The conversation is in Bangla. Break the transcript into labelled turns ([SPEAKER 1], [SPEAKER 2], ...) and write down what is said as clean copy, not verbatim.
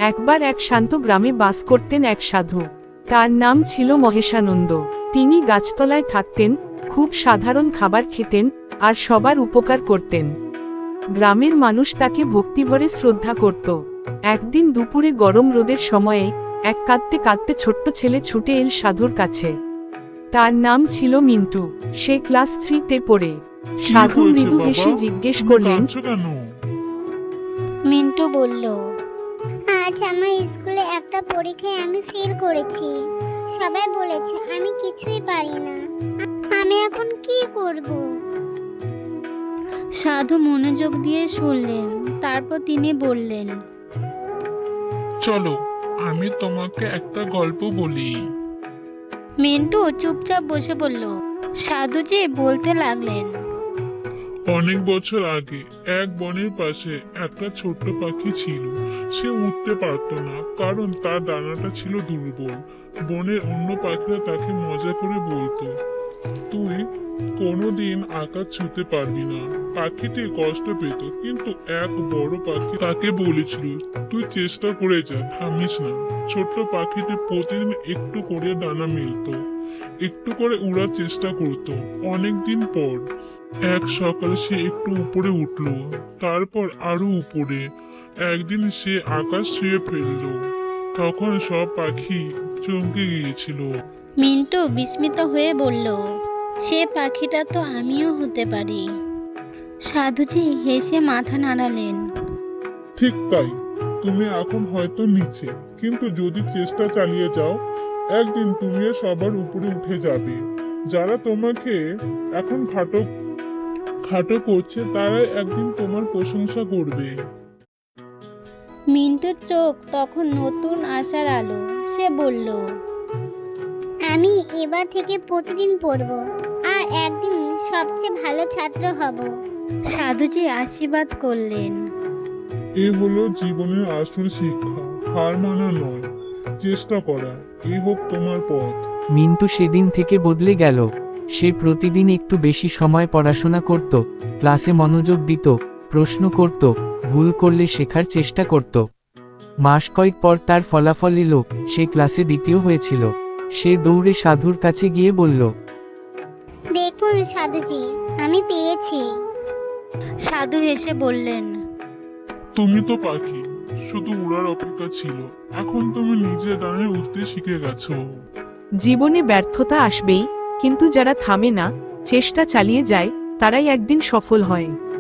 [SPEAKER 1] একবার এক শান্ত গ্রামে বাস করতেন এক সাধু। তার নাম ছিল মহেশানন্দ। তিনি গাছতলায় থাকতেন, খুব সাধারণ খাবার খেতেন, আর সবার উপকার করতেন। গ্রামের মানুষ তাকে ভক্তিভরে শ্রদ্ধা করত। একদিন দুপুরে গরম রোদের সময়ে এক কাঁদতে কাঁদতে ছোট্ট ছেলে ছুটে এল সাধুর কাছে। তার নাম ছিল মিন্টু। সে ক্লাস 3-তে পড়ে। সাধু মৃদু হেসে জিজ্ঞেস করলেন,
[SPEAKER 2] মিন্টু বলল, আজ আমার স্কুলে একটা পরীক্ষায় আমি ফেল করেছি। সবাই বলেছে আমি কিছুই পারি না। আমি এখন কি করব? সাধু মনোযোগ দিয়ে শুনলেন। তারপর তিনি বললেন,
[SPEAKER 3] চলো আমি তোমাকে একটা গল্প বলি।
[SPEAKER 2] মিন্টু চুপচাপ বসে পড়ল। সাধুজি বলতে লাগলেন,
[SPEAKER 3] অনেক বছর আগে এক বনের পাশে একটা ছোট্ট পাখি ছিল। সে উঠতে পারত না, কারণ তার ডানাটা ছিল দুর্বল। বনের অন্য পাখিরা তাকে মজা করে বলতো, তুই কোনোদিন আকাশ ছুঁতে পারবি না। পাখিটি কষ্ট পেত, কিন্তু এক বড় পাখি তাকে বলেছিল, তুই চেষ্টা করে যা, থামিস না। ছোট্ট পাখিটি প্রতিদিন একটু করে ডানা মেলতো, একটু করে উড়ার চেষ্টা করত। অনেকদিন পর এক সকালে সে একটু উপরে উঠল, তারপর আরো উপরে। একদিন সে আকাশ ছুঁয়ে ফেলল। তখন সব পাখি চমকে গিয়েছিল।
[SPEAKER 2] মিন্টু বিস্মিত হয়ে বলল, সে পাখিটা তো আমিও হতে পারি। সাধুজি হেসে মাথা নাড়ালেন।
[SPEAKER 3] ঠিক তাই, তুমি এখন হয়তো নিচে, কিন্তু যদি চেষ্টা চালিয়ে যাও, একদিন তুমিও সবার উপরে উঠে যাবে। যারা তোমাকে এখন খাটো খাটো করছে, তারাই একদিন তোমার প্রশংসা করবে।
[SPEAKER 2] মিন্টুর চোখ তখন নতুন আশার আলো। সে বলল, আমি এবার থেকে প্রতিদিন পড়ব, আর একদিন সবচেয়ে ভালো ছাত্র হব। সাধুজি আশীর্বাদ করলেন।
[SPEAKER 3] এ হলো জীবনের আসল শিক্ষা, হার মানা নয়, চেষ্টা করা। এই হোক তোমার পথ।
[SPEAKER 1] মিন্টু সেদিন থেকে বদলে গেল। সে প্রতিদিন একটু বেশি সময় পড়াশোনা করত, ক্লাসে মনোযোগ দিত, প্রশ্ন করত, ভুল করলে শেখার চেষ্টা করত। মাস কয়েক পর তার ফলাফল এলো, সে ক্লাসে দ্বিতীয় হয়েছিল। সে দৌড়ে সাধুর কাছে গিয়ে বলল,
[SPEAKER 2] দেখুন সাধুজি, আমি পেয়েছি। সাধু হেসে বললেন,
[SPEAKER 3] তুমি তো পাখি, শুধু উড়ার অপেক্ষা ছিল। এখন তুমি নিজের ডানে উঠতে শিখে গেছো।
[SPEAKER 1] জীবনে ব্যর্থতা আসবেই, কিন্তু যারা থামে না, চেষ্টা চালিয়ে যায়, তারাই একদিন সফল হয়।